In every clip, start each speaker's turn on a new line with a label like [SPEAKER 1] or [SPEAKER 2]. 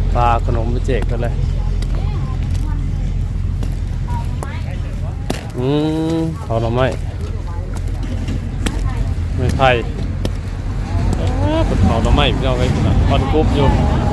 [SPEAKER 1] ปลาขนมไปแจกกันเลยเขาหน่อไม้ไม่ไผ่ปดเขาหน่อไม้พี่น้องไอ้คนคอนกุ๊บอยู่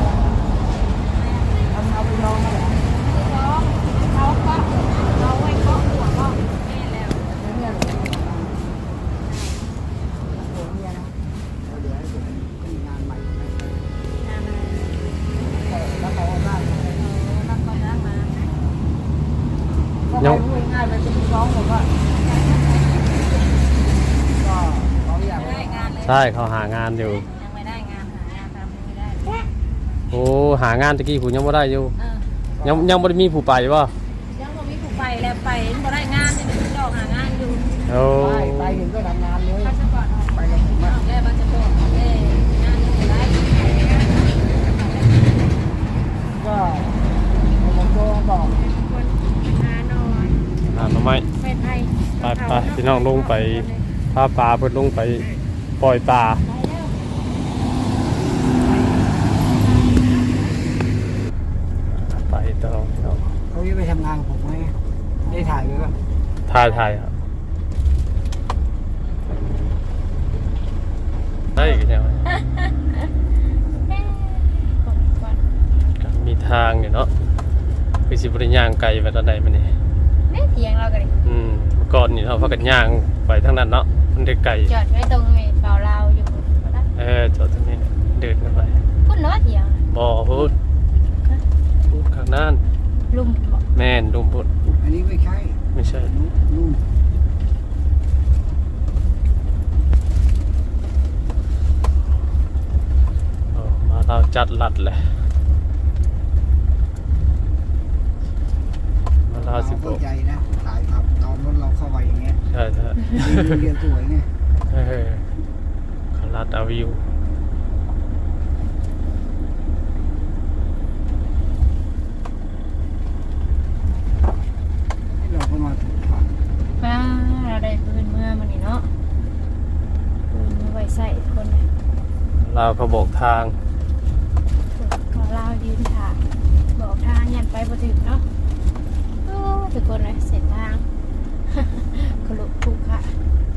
[SPEAKER 1] ยังง่ายไปเป็นร้องผมว่าใช่เขาหางานอยู่
[SPEAKER 2] ยังไม่ได้งานหางานทำไม่ได้
[SPEAKER 1] โอ้หางานตะกี้ผมยังไม่ได้อยู่ยังไม่ได้มีผู้ไปป่ะ
[SPEAKER 2] ยังไม่มีผู้ไปแล้วไปไม่ได้งานเนี่ยเดี๋ยวจะหางานอยู่
[SPEAKER 3] ไปเห็นก็ทำงานเลย
[SPEAKER 2] ไปกับผมแล้วมันจะบอกงานอยู่ได้
[SPEAKER 3] ก็ผมก็บอก
[SPEAKER 1] หาหน่อไม้ไปพี่น้องลงไปพาปลาเพิ่นลงไปปล่อยปลาไปต่อพี่น้อง
[SPEAKER 3] เขาจะไปทำงานกับผมไหมได้ถ่ายไหมวะ
[SPEAKER 1] ถ่ายครับได้กันยังมีทางอยู่เนาะคือสิบริย่างไกลไปตอนใดมันนี่
[SPEAKER 2] เถียงเรากันดิ
[SPEAKER 1] เมื่อก่อนนี่เราพักกันย่างไปทั้งนั้นเนาะมันได้ไกล
[SPEAKER 2] จอดไว้ตรงเปล่าเราอยู่
[SPEAKER 1] จอดตรงนี้เดินกันไป
[SPEAKER 2] พูดเนาะเถียง
[SPEAKER 1] บ่พูดข้างนั้น
[SPEAKER 2] ลุ่ม
[SPEAKER 1] แม่นลุ่มพูด
[SPEAKER 3] อันนี้ไม่ใช่ลุ่ม
[SPEAKER 1] มาเราจัดลัดเลยมาเราสิบ
[SPEAKER 3] เข้าใจนะถ่ายครับตอนรถเราเข้าไปอย่างเงี้ย
[SPEAKER 1] ใช่
[SPEAKER 3] เรียนสวยไง
[SPEAKER 1] เขาลัดเอาวิว
[SPEAKER 3] เราก็มาถูกทาง
[SPEAKER 2] เราได้ปืนเมื่อมันนี่เนาะปืนไว้ใส่คน
[SPEAKER 1] เราเขาบอกทาง
[SPEAKER 2] เรายืนถ่ายบอกทางยันไปบ่ถึงเนาะทุกคนเลยเส้นทางขลุกทุกค่ะ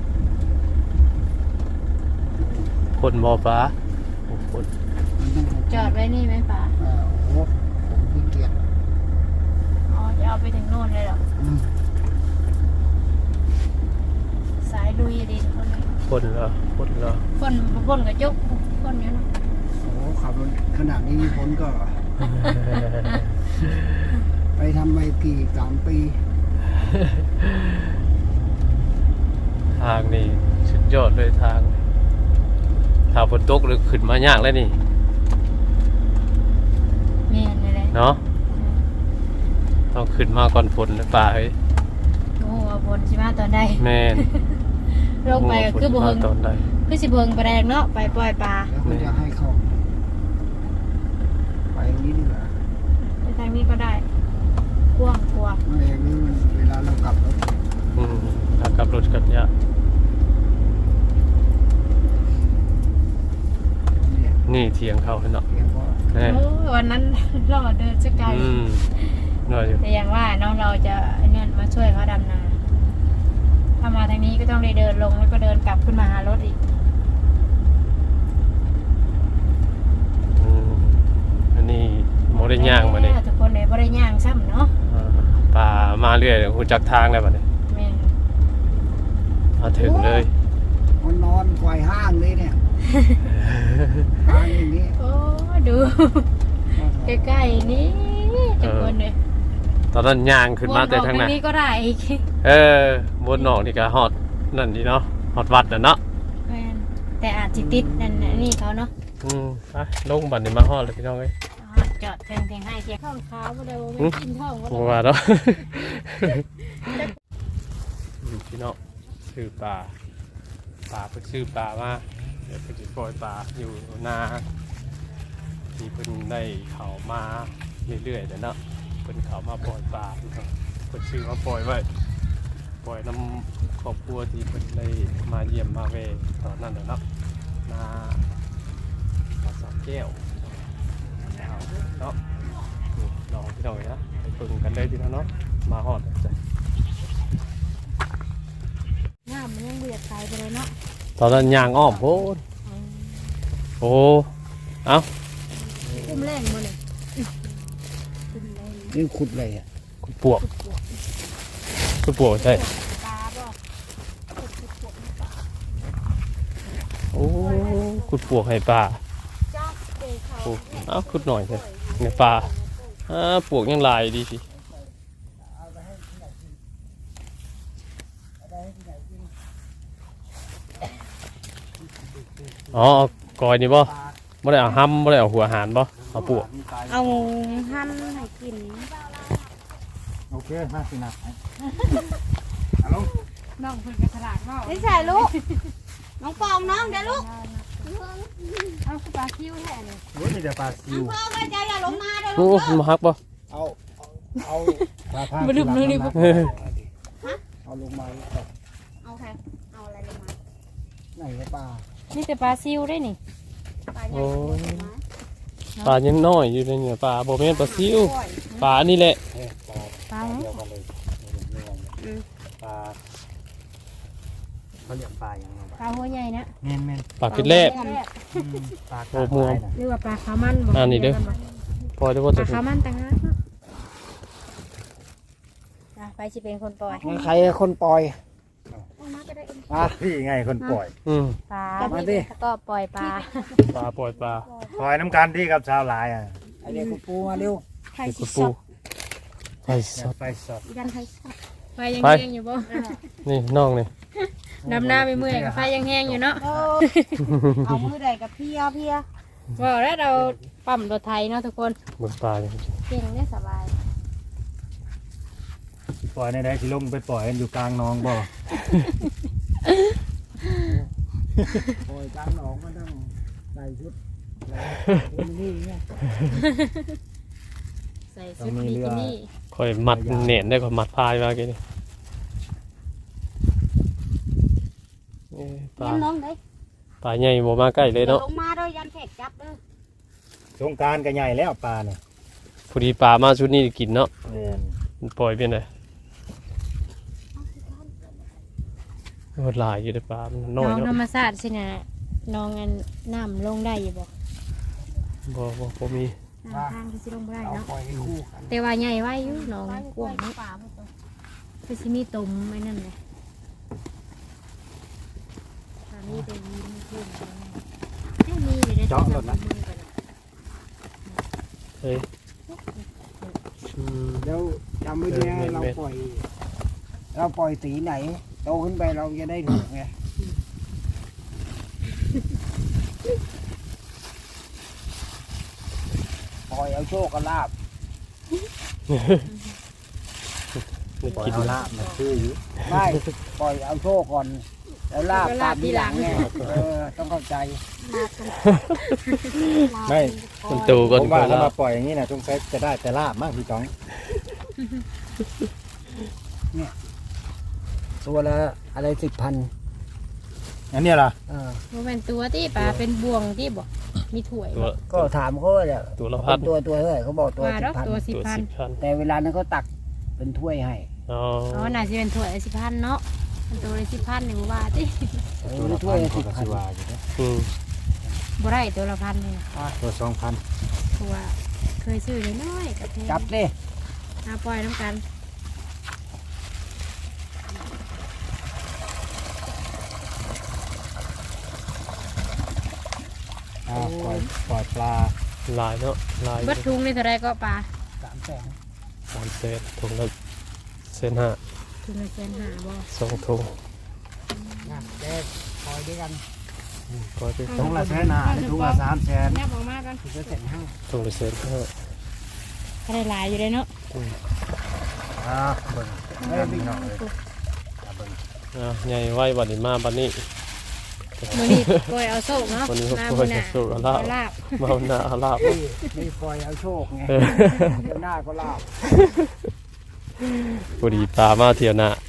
[SPEAKER 1] คนบ่อฟ้าคน
[SPEAKER 2] จอดไว้นี่ไหมป่า
[SPEAKER 3] โอ้ผมขี้เกียจ
[SPEAKER 2] จะเอาไปถึงโน่นเลยเหรอสายลุยดิ
[SPEAKER 1] คนเหรอ
[SPEAKER 2] คนกับยกคนเนี้ยนะ
[SPEAKER 3] โอ้ขับรถขนาดนี้พ้นก็ไปทำไปกี่3 ปี
[SPEAKER 1] ทางนี่สุดยอดเลยทางถ้าฝนตกหรือขึ้นมายากแล้วนี่
[SPEAKER 2] แม่นเลย
[SPEAKER 1] เนาะต้องขึ้นมาก่อนฝนหรือเปล่าเฮ้ย
[SPEAKER 2] โอ้ฝนใช่ไหมตอนใด
[SPEAKER 1] แม่น
[SPEAKER 2] ลงไปคือบ่เฮิง
[SPEAKER 1] ตอนใด
[SPEAKER 2] คือสิเฮิงปลาแดงเนาะไปปล่อยปลา
[SPEAKER 3] แล้วจะให้เขาไปนี้ดีกว่า
[SPEAKER 2] ไปทางนี้ก็ได้กว้าง
[SPEAKER 3] ไม่อย่างนี้มันเวลาเรากลับรถ
[SPEAKER 1] เรากลับรถกันยะนี่เทียงเขาเนาะ
[SPEAKER 2] วันนั้นเราเดินจะไกลแต่อย่างว่าน้องเราจะเนี่ยมาช่วยเขาดำนาถ้ามาทางนี้ก็ต้องเดินลงแล้วก็เดินกลับขึ้นมาหารถอีก
[SPEAKER 1] อันนี้โมได้ย่างมาเนี่ย
[SPEAKER 2] ทุกคนเลยโมได้ย่างซ้ำเนาะ
[SPEAKER 1] ป่ามาเรื่อยคุณจักทางเลยป่ะเนี่ยมาถึงเลย
[SPEAKER 3] มันนอนควายห้างเลยเนี่ยทางอย่างนี้
[SPEAKER 2] โอ้ดูใกล้ๆนี่ทุกคนเลย
[SPEAKER 1] ตอนนั้นย่างขึ้นมาแต่ทางไหน
[SPEAKER 2] นี้ก็ได้
[SPEAKER 1] บนนอกนี่ก็ฮอดนั่นดีเนาะฮอดวัดน่ะเนาะ
[SPEAKER 2] แต่อาจจะติดนั่นนี่เขาเนาะ
[SPEAKER 1] ไปลงบันนี่มาฮอดเลยพี่น้องเอ้ย
[SPEAKER 2] จอดเทียงให้เทียงข้าวขาวมาเดี๋ยวไม่กินท้องก็
[SPEAKER 1] ว่าแล้วพี่น้องซื้อปลาเพิ่งซื้อปลามาเดี๋ยวเพิ่งจะปล่อยปลาอยู่นาที่เพิ่งได้เขามาเรื่อยๆเนาะเพิ่งเขามาปล่อยปลาเพิ่งซื้อมาปล่อยไว้ปล่อยน้ำครอบครัวที่เพิ่งได้มาเยี่ยมมาเวตอนนั้นเนาะนาสามแก้วเนาะนาะนี่ลองพี่น้องนะไปปึงกันเลยพี่น้องเนาะมาฮอดจ้ะ
[SPEAKER 2] น้ำมันยังเบียดใส่ไปเลยเนาะ
[SPEAKER 1] ตอนนั้นยางอ้อมโพดโอ้เอ้า
[SPEAKER 2] คุ้มแรงมาเลยคุ้มแรง
[SPEAKER 3] นี่ขุดเลยอ่ะ
[SPEAKER 1] คุณปวกคุณปวกใช่
[SPEAKER 2] ปลาบ่
[SPEAKER 1] โอ้คุณปวกให้ปลา
[SPEAKER 2] จ้าเด็กเขา
[SPEAKER 1] โอ้เอ้าคุณหน่อยเลยในปลาปวกยังลายดีสิอ๋อเอากอยนี่บ่ไม่ได้เอาห้ำไม่ได้เอาหัวหารบ่เอาปวก
[SPEAKER 2] เอาหั่นให้กิน
[SPEAKER 3] โอเคมาสินะฮัลโหล
[SPEAKER 2] น้องเพิ่นกระสลากเนาะ
[SPEAKER 4] นี่ใส่ลูก น้องปองน้องเดี๋ยวลูก
[SPEAKER 2] เอาคือปลาคิ้วแท้เลย
[SPEAKER 3] โอ้ยมีแต่ปลาซิว
[SPEAKER 4] พ่อก็จะอย่าลงมาเดี๋ยว
[SPEAKER 1] โอ้
[SPEAKER 4] ลูก
[SPEAKER 1] มาฮักบ่
[SPEAKER 3] เอาปลาพา
[SPEAKER 2] บ่ลืมเลยนี่
[SPEAKER 3] เอาลงมา
[SPEAKER 4] เอาใครเอาอะไรลงมา
[SPEAKER 3] ไหนวะปลา
[SPEAKER 2] นี่แต่ปลาซิวได้นี่
[SPEAKER 4] ปลาใหญ่
[SPEAKER 1] โอ้ย
[SPEAKER 4] มา
[SPEAKER 1] ปลายังน้อยอยู่ในเนี่ยปลาบ่แม่นปลาซิวปลานี่แหละ
[SPEAKER 2] ปลา
[SPEAKER 3] เดียวกันเลยปลาเขาเรียกปลาอย่างไร
[SPEAKER 2] ปลาหัวใหญ่นะ
[SPEAKER 3] แม่นแม่น
[SPEAKER 1] ปลาคิดแรก
[SPEAKER 3] ปลา
[SPEAKER 1] โอ้ม่วง
[SPEAKER 2] หรือว่าปลาขาวมันบ่
[SPEAKER 1] อันนี้เด้อ พอจะว่า
[SPEAKER 2] ป
[SPEAKER 1] จะ
[SPEAKER 2] ลา
[SPEAKER 1] ถูก
[SPEAKER 2] ขาวมันต่างหากเนาะไปสิเป็นคนปล่อย
[SPEAKER 3] ใครคนปล่อย
[SPEAKER 4] เอามาก็ได้เอง
[SPEAKER 3] ปลาพี่ไงคนปล่อย
[SPEAKER 2] ปลา
[SPEAKER 3] มาดิ
[SPEAKER 2] แล้วก็ปล่อยปลา
[SPEAKER 1] ปลาปล่อยปลา
[SPEAKER 3] ปล่อยน้ำกันที่กับชาวหลายอ่ะไอเด็กคุณปูมาเร็ว
[SPEAKER 4] ใคร
[SPEAKER 1] เป็น
[SPEAKER 4] สิ
[SPEAKER 1] ปู
[SPEAKER 4] ส
[SPEAKER 1] ปู
[SPEAKER 4] ด
[SPEAKER 1] ไปสด
[SPEAKER 3] ไปสด
[SPEAKER 4] ยันใครสด
[SPEAKER 2] ไฟยัง
[SPEAKER 1] ไป
[SPEAKER 2] แห้งอยู่บ่
[SPEAKER 1] นี่น้องนี่
[SPEAKER 2] ดำหน้าไปเมื่อยกับไฟยังแห้งอยู่เนาะ
[SPEAKER 4] เอามือใดกับเพียเพีย
[SPEAKER 2] ว่าแล้วเราปั๊มรถไทยเนาะทุกคน
[SPEAKER 1] เบิ่งปลาเนี่ย
[SPEAKER 2] เก่งได้สบาย
[SPEAKER 3] ปล่อยในใดสิลงไปปล่อยกันอยู่กลางหน้องบ่ปล่อยกลางหนองก็ต้องใส่ชุดนี่ไง
[SPEAKER 2] ใส่ชุดบิกินี่
[SPEAKER 1] ค่อยมัดเน่นได้ค่อยมัดพายมากี่นี่ปลา
[SPEAKER 4] ยันน้องได้
[SPEAKER 1] ปลาใหญ่บ่มาใกล้เลย
[SPEAKER 4] เดี๋ยว
[SPEAKER 1] เนาะ
[SPEAKER 4] ลงมาด้วยยันแขกจับเด้อ
[SPEAKER 3] สงกรารก็ใหญ่แล้วปลาเนี่ย
[SPEAKER 1] พอดีปลามาชุดนี้กินเนาะ
[SPEAKER 3] แม่น
[SPEAKER 1] มันปล่อยเป็นไงโหดหลายอยู่ในปลามันน้
[SPEAKER 2] น้
[SPEAKER 1] อ
[SPEAKER 2] อย งธร
[SPEAKER 1] เนาะ
[SPEAKER 2] รมชาติสินะน้องอันน้ำลงได้อยู่บ่
[SPEAKER 1] บ่มี
[SPEAKER 2] ทางที่สิลงบ่ได้
[SPEAKER 3] เอา
[SPEAKER 2] เนาะ
[SPEAKER 3] ปล่อยให้คู่กัน
[SPEAKER 2] แต่ว่าใหญ่ไว้อยู่น้อง
[SPEAKER 4] ไป
[SPEAKER 2] กว้างเนาะ
[SPEAKER 4] ป่าไปตัว
[SPEAKER 2] คือสิมีตุ่มไอ้นั่นเลยตอนนี้ไปยินขึ้นให้มีอยู่ในโทรศัพท์มือก่อนนะ
[SPEAKER 1] เฮ้ยอืม
[SPEAKER 3] แล้วจำไว้ดีนะเราปล่อยสีไหนโตขึ้นไปเราจะได้ถูกไงปล่อยเอาโชคกับลาบ ปล่อย
[SPEAKER 1] กิน
[SPEAKER 3] เอาลาบมาชื่ออยู่ไม่ปล่อยเอาโชคก่อนแล้วลาบตามทีหลังไงต้องเข้าใจ ไม่
[SPEAKER 1] มันตูก่อน
[SPEAKER 3] ผมว่า
[SPEAKER 1] ก่อน
[SPEAKER 3] ถ้า
[SPEAKER 1] แล้
[SPEAKER 3] มาว ปล่อยอย่างนี้นะจงใช้จะได้แต่ลาบมากพี่จ้องเนี่ยตัวละอะไร10,000อันนี้ล่ะ
[SPEAKER 2] มันเป็นตัวที่ปลาเป็นบ่วงที่บอกมีถ้วย
[SPEAKER 1] ตัว
[SPEAKER 3] ก็ถามเขาเนี่ย
[SPEAKER 1] ตัวละพัน
[SPEAKER 3] ตัวเท่าไหร่เขาบอกตัว
[SPEAKER 2] ว่าดอกตัว
[SPEAKER 3] 10,000
[SPEAKER 1] ตัว
[SPEAKER 2] 10,000
[SPEAKER 1] 10,000
[SPEAKER 3] แต่เวลานั้นเขาตักเป็นถ้วยให้
[SPEAKER 1] อ๋อ
[SPEAKER 2] อ๋อน่าจะเป็นถ้วย10,000เนาะมันตัวละ10,000หนึ่งว่าที่
[SPEAKER 3] เป็นถ้วยละ10,000
[SPEAKER 1] อืม
[SPEAKER 2] บ่ได้ตัวละพันเลย
[SPEAKER 3] ตัว2,000
[SPEAKER 2] เพราะว่าเคยซื้อน้อยๆกับแพง
[SPEAKER 3] จับดิ
[SPEAKER 2] เอาปล่อยน้ำกัน
[SPEAKER 3] ปล่อยปลา
[SPEAKER 1] ลายเนาะลาย
[SPEAKER 2] เบิดทุงนี่เท่าไรก็ปลา
[SPEAKER 3] 300,000
[SPEAKER 1] 3 เศษถุงละเศษห้า
[SPEAKER 2] ทุงละ1,500บ่
[SPEAKER 1] 2 ถุง
[SPEAKER 3] นะเด็กปล่อยด้วยกัน
[SPEAKER 1] ปล่อยไป
[SPEAKER 3] ถุงละ100,000ถุงละ300,000
[SPEAKER 2] แนบออกมากัน
[SPEAKER 3] ถุงละ1,500
[SPEAKER 1] ถุงละเศษห้า
[SPEAKER 2] ก็ได้หลายอยู่เลยเนาะ
[SPEAKER 3] เบิ่งไม่ได้พี่น้องเลยเบิ่ง
[SPEAKER 1] ใหญ่ไว้บัดนี้มาบัดนี้
[SPEAKER 2] มื้อนี้ปล่อยเอาโซ่เนาะ
[SPEAKER 1] วันนี้
[SPEAKER 2] มา
[SPEAKER 1] ก็
[SPEAKER 2] มื้
[SPEAKER 1] ปล่
[SPEAKER 2] อ
[SPEAKER 1] อย
[SPEAKER 2] หน้า
[SPEAKER 1] เอาโซ่เอาลาบ
[SPEAKER 2] เอาลาบ
[SPEAKER 1] เมาหน้าเอาลาบ
[SPEAKER 3] นี่ปล่อยเอาโชคไง
[SPEAKER 1] เออ
[SPEAKER 3] เดี๋ยวหน้าก็ลาบ
[SPEAKER 1] พอดีปลามาเที่ยวหน้า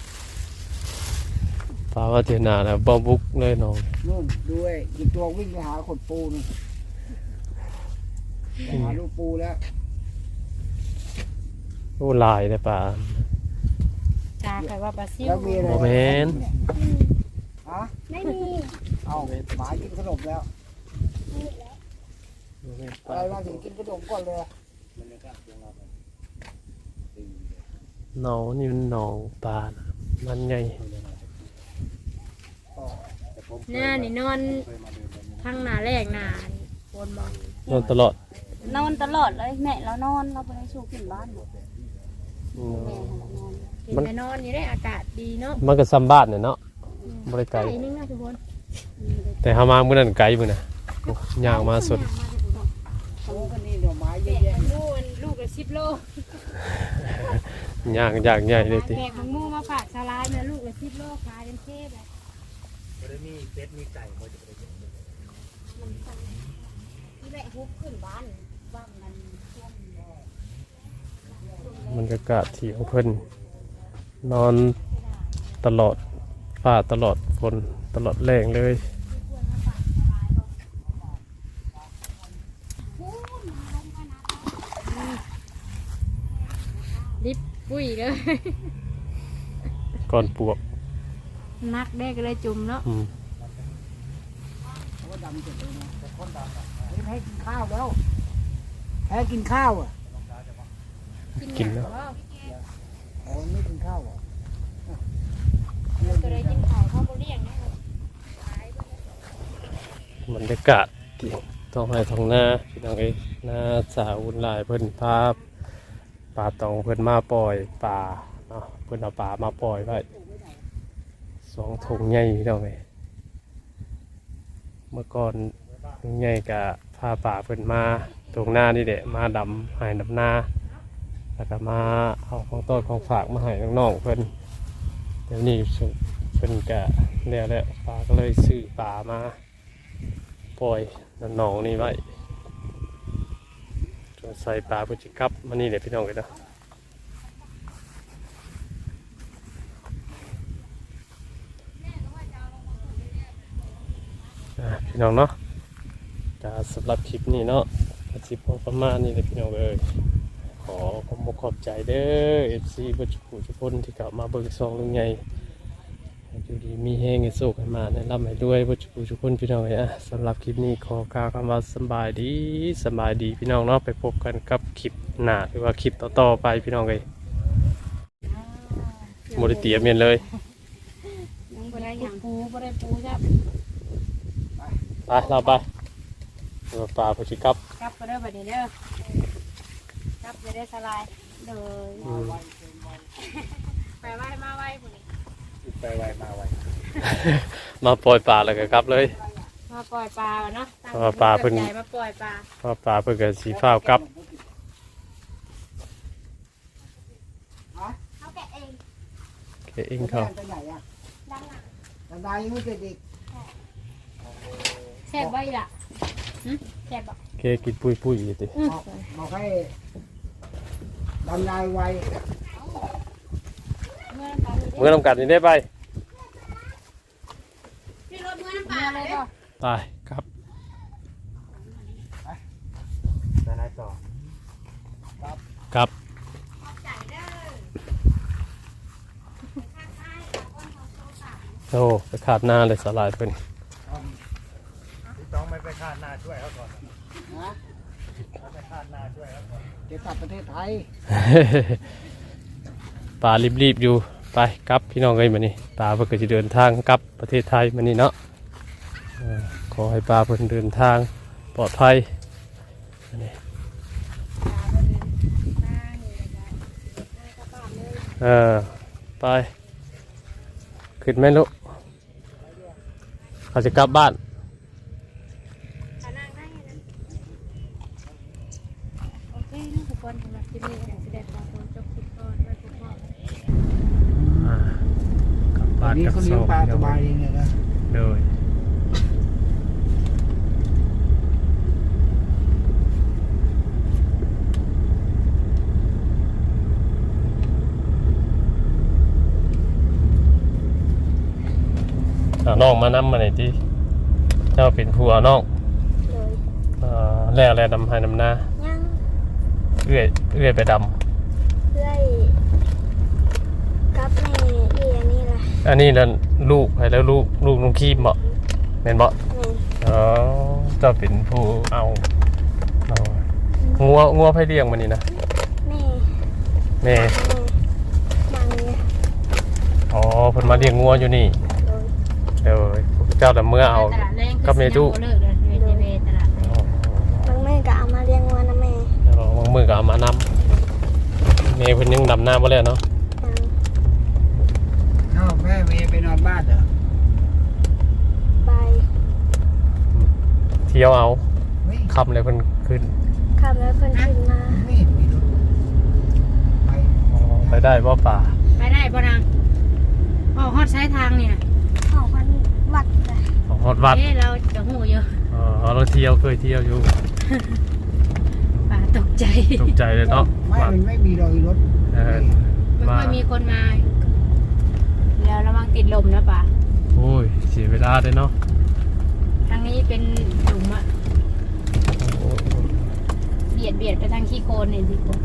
[SPEAKER 1] ปลามาเที่ยวหน้าแล้วบ่บุกเลยน้อง
[SPEAKER 3] นู่นด้วยอีกตัววิ่งไปหาขดปูน
[SPEAKER 1] อืม
[SPEAKER 3] ลูกปูแล้ว
[SPEAKER 1] โอ้ลายเลยป่า
[SPEAKER 2] ตาใครว่าปลาซิว
[SPEAKER 3] แล้วมีอะไร
[SPEAKER 1] โมเมน
[SPEAKER 3] ฮะ
[SPEAKER 4] ไม่มี
[SPEAKER 3] เอาหมากินขนมแล้วอะไรมาถึงกินขนมก่อนเลย
[SPEAKER 1] หนองนี่มันหนองปลานะมันใหญ่
[SPEAKER 2] หน้านี่นอนทั้งหน้าแรกหน้านี่บนบอก
[SPEAKER 1] นอนตลอด
[SPEAKER 4] นอนตลอดเลยแม่เรานอนเราไปได้สู้ขึ้นบ้านหมด
[SPEAKER 1] อืม
[SPEAKER 4] แม่เรานอน
[SPEAKER 2] กินไปนอนอยู่ได้อากาศดีเนาะ
[SPEAKER 1] มันก็ซ้ำบ้านเนี่ยเนาะบริไกล
[SPEAKER 2] ไก่นึงนะทุกคน
[SPEAKER 1] แต่หามาเมื่อนั้นไกลมือนะโอ้ยางมาสุด
[SPEAKER 3] เขาก็นี่ดอกไม้เย
[SPEAKER 2] แบ
[SPEAKER 3] อะ
[SPEAKER 2] ก
[SPEAKER 3] แยะ
[SPEAKER 2] มังมูมันลูกละ10 โล
[SPEAKER 1] ยางใหญ่เลยติ
[SPEAKER 2] แบกมังมูมาฝากชาวร้ายนะลูกละ10 โลขายเป็นเทพเลย
[SPEAKER 4] ที่แม่ฮุบขึ้นบ้านบ้านมันท่วม
[SPEAKER 1] บรรยากาศที่ของเพิ่นนอนตลอดฟ้าตลอดฝนตลอดแรงเลย
[SPEAKER 2] ลิบปุ้ยเลย
[SPEAKER 1] ก่อนปวก
[SPEAKER 2] นักได้ก็เลยจุ่มเนาะ
[SPEAKER 1] อืม
[SPEAKER 3] เขาก็ดำเสร็จเลยนะแต่คนดำอ่ะนี่แพ้กินข้าวแล้วแพ้กินข้าวอ่ะ
[SPEAKER 1] กินแล้ว
[SPEAKER 3] อ๋อไม่กินข้าวอ่ะ
[SPEAKER 2] เราก็เลยกินข้าวข้าวโพดเลี้ยงนะ
[SPEAKER 1] บรรยากาศที่ท้องไร่ท้องนาพี่น้องเอ้ยนาสาวอุ่นหลายเพิ่นพาปลาตองเพิ่นมาปล่อยปลาเนาะเพิ่นเอาปลามาปล่อยไว้2 ถุงใหญ่พี่น้องเอ้ยเมื่อก่อนถุงใหญ่ก็พาปลาเพิ่นมาตรงหน้านี่แหละมาดำให้ดำนาแล้วก็มาเอาของต้นของฝากมาให้น้องๆเพิ่นเดี๋ยวนี้เพิ่นก็แล้วแหละปลาก็เลยซื้อปลามาปล่อยหนองนี่ไว้จนใส่ปลาเพื่อจะกลับมานี่เดี๋ยวพี่น้องกันนะพี่น้องเนาะจะสำหรับคลิปนี้เนาะอาชีพพอประมาณนี้เลยพี่น้องเอ้ยขอขอบใจเด้อ FC บัจจุทุกคนที่กลับมาเบิ่งซองลุงใหญ่อยู่ดีมีแห้งให้โศกให้มาแนะนำให้ด้วยวัชกุทุกคนพี่น้องอ่ะสำหรับคลิปนี้ขอกล่าวคำว่าสบายดีพี่น้องเนาะไปพบกันกับคลิปหน้าหรือว่าคลิปต่อๆไปพี่น้องเลยโมดิเตียเมียนเลย
[SPEAKER 2] ยังบ่ได้ยังปูบ่ได้ปูจ้ะ
[SPEAKER 1] ไปเราไปเราปลาพชิกับ
[SPEAKER 2] กลับก็ได้อบัดนี้เด้อกลับจะได้สลายเลย
[SPEAKER 1] อืม
[SPEAKER 2] ไปไหว้มาไหว้พุ่นนี่
[SPEAKER 3] ไปไวมาไว
[SPEAKER 1] มาปล่อยปลาแล้วก็กลับเลย
[SPEAKER 2] มาปล่อยปลาเนาะ
[SPEAKER 1] เพราะว่าปลาเพิ่น
[SPEAKER 2] ตั้งใจมาปล่อยปลา
[SPEAKER 1] เพราะปลาเพื่อกันสีฟ้าวกลับ
[SPEAKER 4] เขาแกะเอง
[SPEAKER 1] เองเขา
[SPEAKER 3] ไปไหนอ่ะ
[SPEAKER 4] ด้านหลัง
[SPEAKER 3] บันไดยังไม่เสร็จอีก
[SPEAKER 2] แซ่บไว้ล่ะแซ่บบ่
[SPEAKER 1] เคกินปุยอยู่ติ
[SPEAKER 3] บอกให้บันไดไว
[SPEAKER 2] เมื่อน้ำตาลนี่
[SPEAKER 1] เมื่อทำกันนี่ได้ไป
[SPEAKER 4] พี่รถเมื่อน้ำป
[SPEAKER 2] เมื่
[SPEAKER 4] ลา
[SPEAKER 2] อเลย
[SPEAKER 4] เลย
[SPEAKER 2] ก็
[SPEAKER 1] ไปครับ
[SPEAKER 3] บันไดต่อ
[SPEAKER 1] ครับ
[SPEAKER 4] ขอบใจเด้อ
[SPEAKER 1] โอ้ไปขาดหน้าเลยสลายเพิ่น
[SPEAKER 5] ต้องไม่ไปคาดหน้าช่วยเขาก่อน
[SPEAKER 3] นะ
[SPEAKER 5] ถ้าไปคาดหน้าช่วยเขาก่อน
[SPEAKER 3] จะกลับประเทศไทย
[SPEAKER 1] ปลารีบๆอยู่ไปกลับพี่น้องเลยมานี่ปลาเพื่อจะเดินทางกลับประเทศไทยมานี่เนาะขอให้ปลาเพิ่นเดินทางปลอดภัยมานี่ไปขึ้นไหมลูกเขาจะกลับบ้าน
[SPEAKER 2] โอเคนี่ทุกคนสำหรับคลิปนี้ก็สิได้ขอตัวจบคลิปก่อนไว้พบกัน
[SPEAKER 1] กลับ
[SPEAKER 3] ตอ
[SPEAKER 1] บ้าน น
[SPEAKER 3] นี้
[SPEAKER 1] กับ
[SPEAKER 3] เขา
[SPEAKER 1] โซ่
[SPEAKER 3] เลี้ยงปลาสบายเองเลยนะ
[SPEAKER 1] เลยเอาน้องมานำมาหน่อยที่เจ้าเป็นผู้เอาน้อง
[SPEAKER 4] เลย
[SPEAKER 1] แล้วดำให้ดำนา
[SPEAKER 4] ยัง
[SPEAKER 1] เอื้อยไปด
[SPEAKER 4] เรื่อยกับแม่อีอันนี้แหละ
[SPEAKER 1] ำอันนี้นั่นลูกให้แล้วลูกน้องคีมบ่แม่นบ่
[SPEAKER 4] แม่
[SPEAKER 1] อ๋อเจะเป็นผู้เอางัวไผเลี้ยงมันนี่นะ
[SPEAKER 4] แม่
[SPEAKER 1] แม่
[SPEAKER 4] มังเนี่ย
[SPEAKER 1] อ๋อเพิ่นมาเลี้ยงงัวอยู่นี่
[SPEAKER 4] โดย
[SPEAKER 1] เดี๋ยวเจ้าละเมื่อเอา
[SPEAKER 2] ตลาดแรง
[SPEAKER 1] กับเมตุ
[SPEAKER 2] เลิกเลยเวตลาดแรง
[SPEAKER 4] บางแม่ก็เอามาเลี้ยงวัวนะแม่
[SPEAKER 1] บางมือก็เอามานำแม่เพิ่นยังดำน้ำบ่แล้วเนาะ
[SPEAKER 3] เอ้าแม่เมย์ไปนอนบ้านเหรอ
[SPEAKER 4] ไป
[SPEAKER 1] เที่ยวเอา
[SPEAKER 3] เฮ้ย
[SPEAKER 1] ค่ำเลยเพิ่นขึ้น
[SPEAKER 4] ขับแล้วเพิ่นขึ้นมา
[SPEAKER 3] ไม่เห็นมีรถไป
[SPEAKER 1] อ๋อไปได้บ่ป่า
[SPEAKER 2] ไปได้ป่ะนางออกฮอดใช้ทางเนี่ย
[SPEAKER 4] ออกพันวัดเลย
[SPEAKER 1] ของฮอดวัด
[SPEAKER 2] เราจะหูเยอะ
[SPEAKER 1] อ๋อเราเที่ยวเคยเที่ยวอยู่
[SPEAKER 2] ป่าตกใจ
[SPEAKER 1] ตกใจเลยเนาะ
[SPEAKER 3] ไม่
[SPEAKER 1] ว่า
[SPEAKER 3] มันไม่มีรอยรถ
[SPEAKER 1] เออ
[SPEAKER 2] ไม่ค่อยมีคนมา แล้วระวังติดลมนะป่า
[SPEAKER 1] โอ้ยเสียเวลาเลยเนาะ
[SPEAKER 2] ทางนี้เป็นหลุมอะ
[SPEAKER 1] โอ้ย
[SPEAKER 2] เบียดไปทางขี้โคลนเนี่ยสิคุณ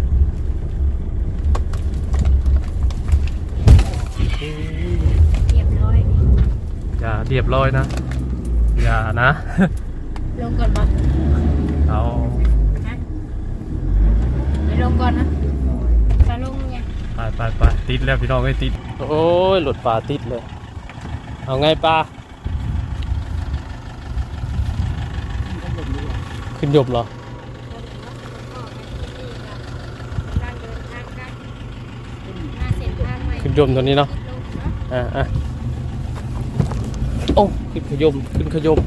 [SPEAKER 2] เรียบร้อย
[SPEAKER 1] อย่าเรียบร้อยนะ อย่านะ
[SPEAKER 2] ลงก่อนป่ะ
[SPEAKER 1] เอา
[SPEAKER 2] ฮะไปลงก่อนนะจะลงไง
[SPEAKER 1] ไปติดแล้วพี่น้องไอ้ยติดโอ้ยหลุดป่าติดเลยเอาไงปลาขึ้นยบเหรอ ขึ้นยมตัวนี้เนาะโอ้ขึ้นขยมขึ้นขยม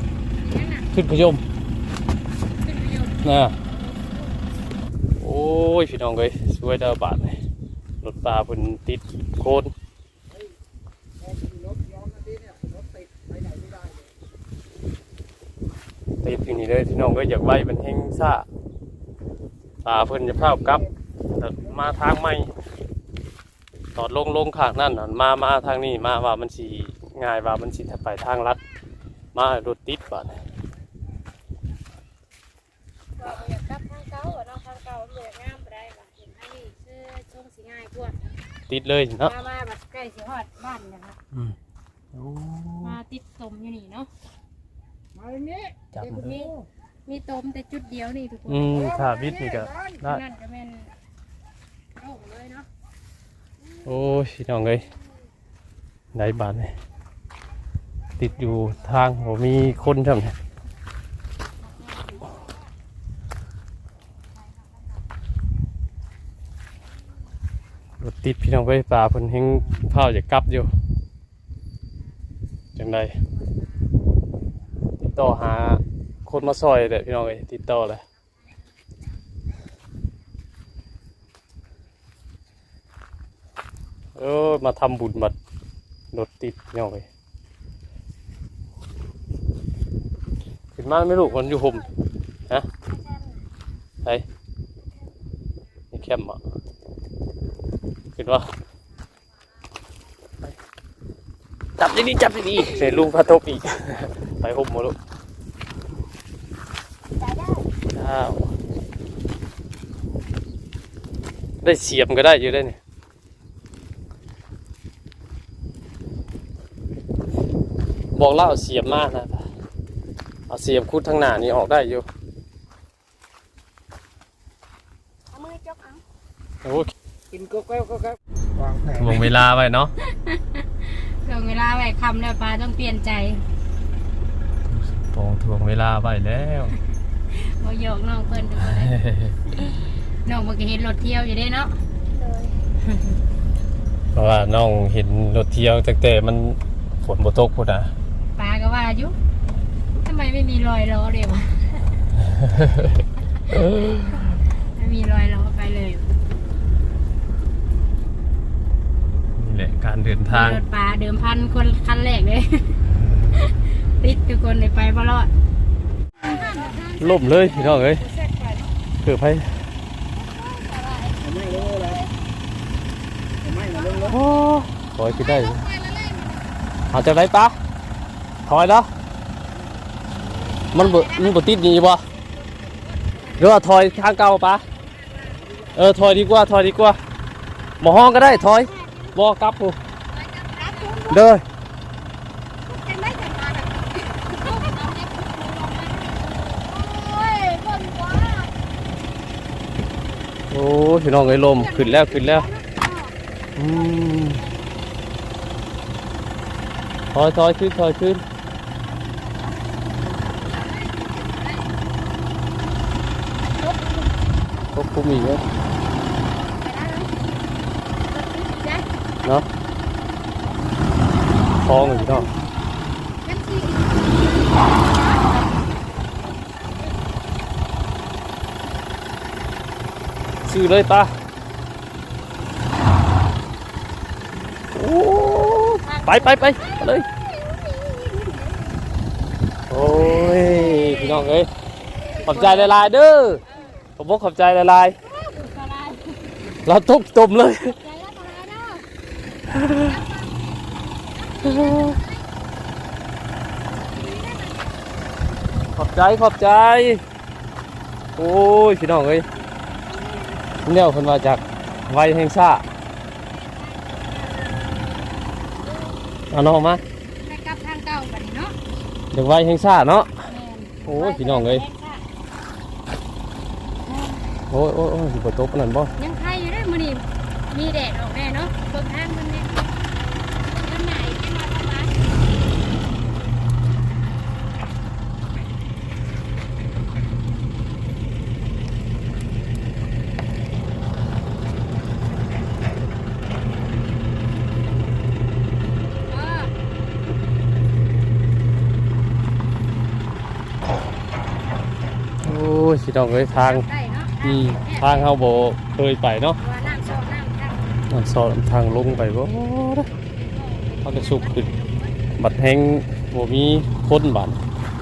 [SPEAKER 1] นะโอ้ยพี่น้องเอ้ยสวยดาวบาทเลยรถปลาเพิ่นติดโคนติดอย่างนี้เลยพี่น้องเอ้ยอยากไว้มันแห้งซ่าปลาเพิ่นจะพากับ มาทางใหม่ตอดลงข้างนั่นมาทางนี้มาว่ามันสีง่ายว่ามันสีไปทางลัดมารถติดบ้าน
[SPEAKER 2] อยากกลับทางเก่าเนาะทางเก่ามันอยากงามไปได้ป่ะเห็นอันนี้คือช่วงสีง่ายกว่า
[SPEAKER 1] ติดเลยเนาะ
[SPEAKER 2] มาแบบใกล้สิฮอดบ้านนะครับมาติดตมอยู่นี่เนาะ
[SPEAKER 3] มาอย่างนี้
[SPEAKER 1] จับ
[SPEAKER 2] มีตมแต่จุดเดียวนี่ทุกคน
[SPEAKER 1] ถ้าวิทย์นี่ก็ได้
[SPEAKER 2] นั่นจะเป็นโล่งเลยเนาะ
[SPEAKER 1] โอ้ยพี่น้องเอ้ยไหนบ้านเนี่ยติดอยู่ทางผมมีคนทำเนี่ยรถติดพี่น้องเอ้ยป่าเพิ่นเฮงเผาจะกลับอยู่จังใดติดต่อหาคนมาซอยเลยพี่น้องเอ้ยติดต่อเลยมาทำบุญบัดรถติดพี่น้องเอ้ยขึ้นมาไม่รู้คนอยู่ห่มฮะไปนี่แคมป์อ่ะขึ้นว่าจับดีๆจับดีๆเสร็จลุงพระทบอีก ไปห่มหมดลูกอ้าวได้เสียมก็ได้อยู่ได้เนี่ยบอกเล่าเสียมมากนะเอาเสียมคุดทางหน้านี่ออกได้อยู่
[SPEAKER 4] เอามือจกเอา
[SPEAKER 1] โอ้
[SPEAKER 3] กินก็แก้วก็แก้ววางแผน
[SPEAKER 1] วงเวลาไว้เนาะ
[SPEAKER 2] ลงเวลาไว้คำแล้วปลาต้องเปลี่ยนใจ
[SPEAKER 1] ทวงเวลาไว้แล้ว
[SPEAKER 2] โอ้ยกน้องเพิ่นดูเลยน้องเมื่อกี้เห็นรถเที่ยวอยู่ได้เนาะ
[SPEAKER 4] โดย
[SPEAKER 1] เพราะว่าน้องเห็นรถเที่ยวตั้งแต่มันฝนบ่ตกพุ่นน่ะ
[SPEAKER 2] ปลาก็ว่าอยู่ทำไมไม่มีรอยล้อเลยวะ ไม่มีรอยล้อไปเลย
[SPEAKER 1] นี่แหละการเดินทาง
[SPEAKER 2] รถปลาเดิมพันคนคันแรกเลย ติดทุกคนเลยไปบ่รอด
[SPEAKER 1] ล่มเลยพี่น้องเอ้ยคือไผ
[SPEAKER 3] ไม่รู้เลยไม่มาเรื่องรถ
[SPEAKER 1] โอ้ขอให้คิดได้เอาจากไหนปะถอยแล้วมันบ่ติดหนีบ่หรือว่าถอยทางเก่าปะถอยดีกว่าถอยดีกว่าหมอห้องก็ได้ถอยบอกกลับกูเด้อโอ้พี่น้องเอ้ยลมขึ้นแล้วขึ้นแล้วถอยขึ้นถอยขึ้นควบคุมอีกแล้วเนาะคล้องอยู่เนาะซื้อเลยป้าโอ้ไปเลยโอ้ยพี่น้องเอ้ยขอบใจหลายๆเด้อผมบอกขอบใจหลายๆเราต้มเลยขอบใจโอ้ยพี่น้องเอ้ยเนี่ยคนมาจากไวแห่งซ่าเอาน้องมา
[SPEAKER 2] ไปกลับทางเก่าบัดนี้เนาะ
[SPEAKER 1] เด็กไวแห่งซ่าเนาะ
[SPEAKER 2] แม่น
[SPEAKER 1] โอ้ยพี่น้องเอ้ยโอ้ยสิบ่ตกปานนั้นบ่
[SPEAKER 2] ยังใครอยู่ได้อมื้อนี้มีแดดออกแน่เนาะเบิ่งทางมันแน่มันไหนจะมาทำไม
[SPEAKER 1] โอ้ยพี่น้องเอ้ยทาง
[SPEAKER 2] ได้เนาะ
[SPEAKER 1] ทางเฮาบ่เคยไปเนาะ
[SPEAKER 2] ว่าน้ำโซน้ำทาง
[SPEAKER 1] มันสอนทางลงไปบ่เขาจะสุกขึ้นบัดแห้งบ่มีคนบัด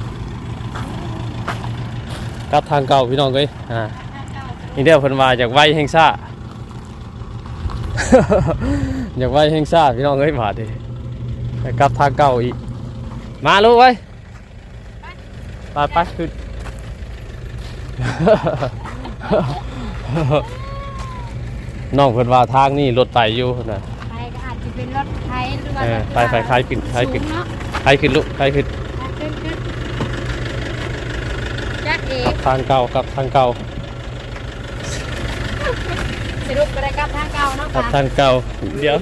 [SPEAKER 1] กลับทางเก่าพี่น้องเอ้ยนี่เด้อเพิ่นว่าจากไวแห่งซ่า อยากไวแห่งซ่าพี่น้องเอ้ยบาดดิไปกลับทางเก่าอีกมาลูกเว้ยไปขึ้น น้องเพิ่นว่าทางนี่รถไปอยู่น่ะ
[SPEAKER 2] ไปก็อาจจะเป็นรถไถหรือว่า
[SPEAKER 1] ไปใครขึ้น
[SPEAKER 2] สูงเนาะ
[SPEAKER 1] ใครขึ้นลูกใครขึ้น
[SPEAKER 2] ขึ้นจักเอ
[SPEAKER 1] ทางเก่ากับทางเก่า
[SPEAKER 2] สรุปก็ได้กลับทางเก่าเนาะ
[SPEAKER 1] กับ
[SPEAKER 2] ค่ะ
[SPEAKER 1] ทางเก่าเดี๋ยว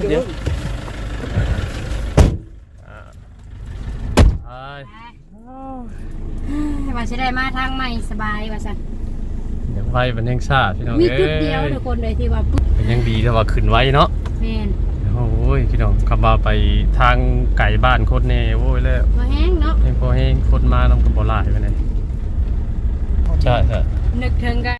[SPEAKER 2] ว่าจะได้มาทางใหม่สบายว่าซั่น
[SPEAKER 1] เดี๋ยวไว้มันแห่งซ่าพี่น้อง
[SPEAKER 2] มี
[SPEAKER 1] เอ้
[SPEAKER 2] จุดเดียวย ทุกคนเลยที่ว่าปุ๊บ
[SPEAKER 1] เป็นยังดีแต่ว่าขึ้นไว้เนาะ
[SPEAKER 2] แม่น
[SPEAKER 1] โอ้ยพี่น้องขับมาไปทางไก่บ้านโคตรแน่โว้ยแล้ว
[SPEAKER 2] บ่แห้งเนาะ
[SPEAKER 1] ยังพอให้คนมานำกับบ่หลายไปไหนใช่
[SPEAKER 2] นึกถึงกัน